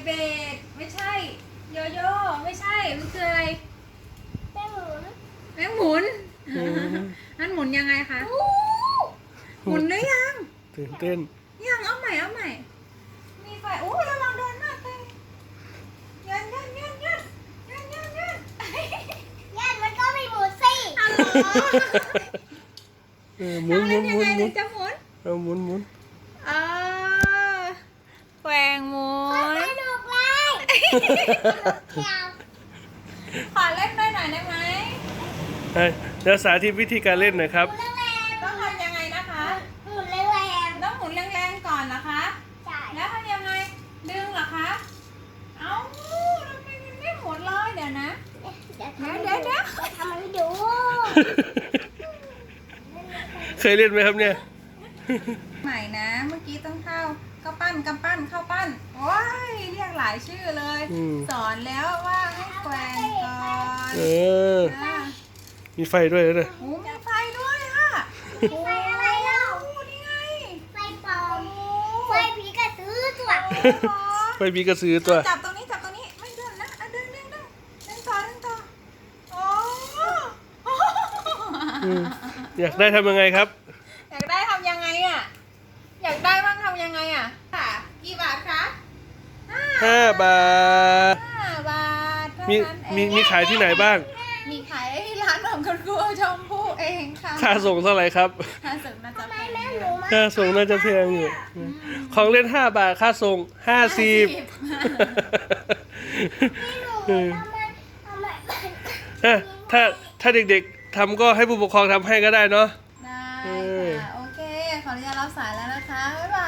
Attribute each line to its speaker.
Speaker 1: เบกไม่ใช่โยโย่ไม่ใช่มันคืออะไรแมงหมุนนั่นหมุนยังไงคะหมุนได้ยัง
Speaker 2: ตื่นเต้น
Speaker 1: ยังเอาใหม่มีไฟโอ้ระวังโดนมากเลยยัน
Speaker 3: มันก็ไม่หมุนสิ
Speaker 1: อ๋อ
Speaker 2: หมุน
Speaker 1: ยังไงถึงจะหมุน
Speaker 2: หมุน
Speaker 1: แกว่งหมุน
Speaker 3: สนุกเลยเที่ยว
Speaker 1: ขอเล่นด้วยหน่อยได้ไหม
Speaker 2: แล้วสาธิตวิธีการเล่นหน่อยครับ
Speaker 3: หมุนแรง
Speaker 1: ต้องทำยังไงนะคะ
Speaker 3: ๆหมุนแรง
Speaker 1: ต้องหมุนแรงๆก่อนนะคะ
Speaker 3: ๆใช่
Speaker 1: แล้วทำยังไงดึงเหรอคะเอ้าทำไมมันไม่หมุนเลยเดี๋ยวนะ เดี๋ยว
Speaker 3: ทำให้ดู
Speaker 2: เคยเล่นไหมครับเนี่ย
Speaker 1: ใหม่นะเมื่อกี้ต้องเข้าปั้นกำปั้นเข้าปั้นโอ้ยเรียกหลายชื่อเลย สอนแล้วว่าให้แกว่งก่อน อ่า
Speaker 2: มีไฟด้วยนะ
Speaker 1: โอ้มีไฟด้วยอ่ะ
Speaker 3: ไฟอะไรเล่า
Speaker 1: โอ้นี่ไง
Speaker 3: ไฟปลอมไฟผีกระสือตัว
Speaker 1: โอ้
Speaker 2: ไฟมีกระสือตัว
Speaker 1: จับตรงนี้ไม่เดินนะดึงต่อโอ้
Speaker 2: อยากได้ทำยังไงครับ
Speaker 1: อยากได้ทำยังไงอ่ะอยากได้บ้างทำยังไงอ่ะค่ะกี่บาทคะ
Speaker 2: 5 บาท
Speaker 1: 5 บาทเท่า
Speaker 2: มี
Speaker 1: นั้นเอง
Speaker 2: มีขายที่ไหนบ้าง
Speaker 1: มีขายที่ร้านของคุณครูชมพู่เองค่ะ
Speaker 2: ค่าส่งเท่าไหร่ครับ
Speaker 1: ค่าส่งน่าจะ
Speaker 3: ทำไม
Speaker 1: แพง
Speaker 3: แม่
Speaker 1: อ
Speaker 3: ห
Speaker 1: ยู่
Speaker 3: นูมา
Speaker 2: ค่าส่งน่าจะแพงอยู่ ของเล่น5 บาท ค่าส่ง50
Speaker 3: ทำไม
Speaker 2: ถ้าเด็กๆทำก็ให้ผู้ปกครองทำให้ก็ได้เนาะ
Speaker 1: ได้ค่ะโอเคขออนุญาตรับสายแล้วนะคะบ๊ายบา